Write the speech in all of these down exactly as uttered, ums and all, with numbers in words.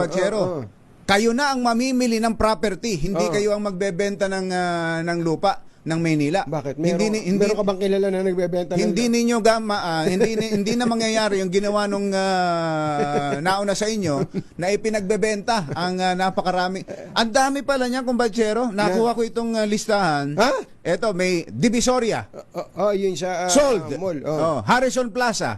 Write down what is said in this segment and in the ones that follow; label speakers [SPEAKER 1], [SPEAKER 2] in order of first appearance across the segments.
[SPEAKER 1] kumbachero.
[SPEAKER 2] oh, oh.
[SPEAKER 1] Kayo na ang mamimili ng property, hindi
[SPEAKER 2] Oh.
[SPEAKER 1] kayo ang magbebenta ng ah, ng lupa ng Maynila.
[SPEAKER 2] Bakit? Meron,
[SPEAKER 1] hindi ni- hindi
[SPEAKER 2] meron ka bang kilala na nagbebenta ng...
[SPEAKER 1] hindi ninyo gama ah, hindi ni- hindi na mangyayari yung ginawa nung ah, nauna sa inyo na ipinagbebenta ang ah, napakarami. Ang dami pala niya kumbachero. Nakuha ko itong ah, listahan.
[SPEAKER 2] Ha?
[SPEAKER 1] Eto may Divisoria,
[SPEAKER 2] Oh, oh, yun sa ah,
[SPEAKER 1] Sold.
[SPEAKER 2] mall. Oh.
[SPEAKER 1] Oh, Harrison Plaza,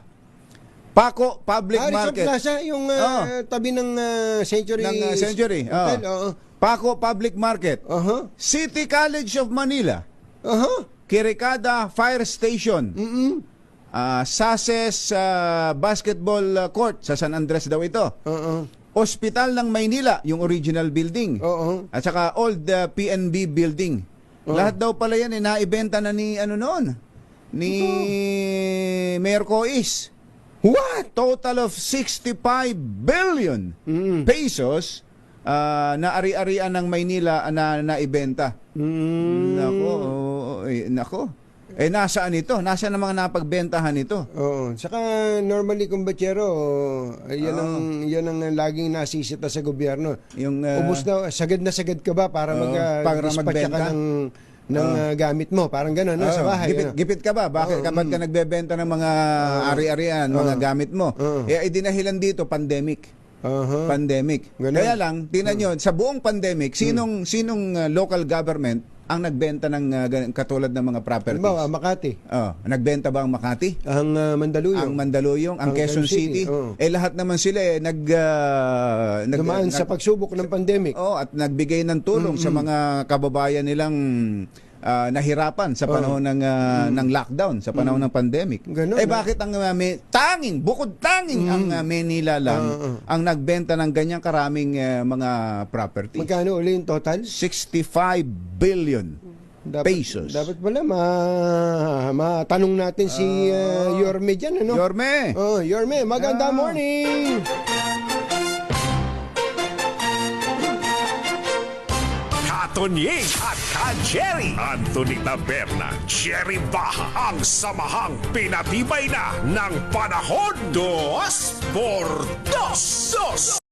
[SPEAKER 1] Paco Public
[SPEAKER 2] Harrison
[SPEAKER 1] Market,
[SPEAKER 2] Plaza, yung ah, tabi ng ah, Century.
[SPEAKER 1] ng ah, Century.
[SPEAKER 2] Hotel,
[SPEAKER 1] Oh.
[SPEAKER 2] oo.
[SPEAKER 1] Paco Public Market,
[SPEAKER 2] Aha.
[SPEAKER 1] City College of Manila,
[SPEAKER 2] Aha.
[SPEAKER 1] Kirikada Fire Station,
[SPEAKER 2] Mm-mm.
[SPEAKER 1] ah, Sases ah, Basketball ah, Court sa San Andres daw ito.
[SPEAKER 2] Oo.
[SPEAKER 1] Hospital ng Maynila, yung original building.
[SPEAKER 2] Oo.
[SPEAKER 1] At saka old ah, P N B building.
[SPEAKER 2] Oo.
[SPEAKER 1] Lahat daw pala yan eh, naibenta na ni ano noon, ni Mayor Cois.
[SPEAKER 2] What?
[SPEAKER 1] Total of sixty-five billion
[SPEAKER 2] Mm.
[SPEAKER 1] pesos ah, na ari-arian ng Maynila na naibenta.
[SPEAKER 2] Mm.
[SPEAKER 1] Nako, oh, eh, nako. Eh nasaan ito? Nasaan ang mga napagbentahan ito?
[SPEAKER 2] Oo. Saka normally kumbachero, yan ang yan ang laging nasisita sa gobyerno.
[SPEAKER 1] Yung ah,
[SPEAKER 2] Ubus na sagad na sagad ka ba para
[SPEAKER 1] Oo,
[SPEAKER 2] mag uh,
[SPEAKER 1] para
[SPEAKER 2] dispatcha
[SPEAKER 1] magbenta?
[SPEAKER 2] ka ng ng ah, gamit mo, parang gano'n no,
[SPEAKER 1] oh,
[SPEAKER 2] sa bahay.
[SPEAKER 1] Gipit,
[SPEAKER 2] ano?
[SPEAKER 1] gipit ka ba? Bakit
[SPEAKER 2] Oo,
[SPEAKER 1] kapag ka nagbebenta ng mga ari-arian, mga gamit mo?
[SPEAKER 2] Oo.
[SPEAKER 1] Eh idinahilan dito pandemic.
[SPEAKER 2] Aha.
[SPEAKER 1] Pandemic.
[SPEAKER 2] Ganun.
[SPEAKER 1] Kaya lang, tingnan nyo, sa buong pandemic, sinong sinong uh, local government ang nagbenta ng uh, gan- katulad ng mga properties?
[SPEAKER 2] Halimbawa, Makati,
[SPEAKER 1] Oh, nagbenta ba ang Makati?
[SPEAKER 2] ang ah, Mandaluyong,
[SPEAKER 1] Ang Mandaluyong, ang,
[SPEAKER 2] Ang
[SPEAKER 1] Quezon
[SPEAKER 2] Quezon
[SPEAKER 1] City?
[SPEAKER 2] City, oo.
[SPEAKER 1] Eh lahat naman sila eh nag uh, nag
[SPEAKER 2] dumaan sa
[SPEAKER 1] nag-
[SPEAKER 2] pagsubok ng pandemic.
[SPEAKER 1] oh, at nagbigay ng tulong sa mga kababayan nilang ah, nahirapan sa panahon ng ah, ng lockdown, sa panahon ng pandemic.
[SPEAKER 2] Ganun,
[SPEAKER 1] eh
[SPEAKER 2] ah.
[SPEAKER 1] bakit ang ah, may, tanging, bukod tanging ang ah, Maynila lang
[SPEAKER 2] Ah, ah.
[SPEAKER 1] ang nagbenta ng ganyang karaming ah, mga property?
[SPEAKER 2] Magkano uli yung total?
[SPEAKER 1] sixty-five billion
[SPEAKER 2] Dapat,
[SPEAKER 1] pesos.
[SPEAKER 2] Dapat pala ma matanong natin si ah, Yorme dyan, ano?
[SPEAKER 1] Yorme!
[SPEAKER 2] Oh, Yorme, maganda
[SPEAKER 1] Ah.
[SPEAKER 2] morning!
[SPEAKER 3] Tonying at Ka-Jerry. Anthony Taberna, Jerry Baha, ang samahang pinatibay na ng panahon. Dos por dos. Dos.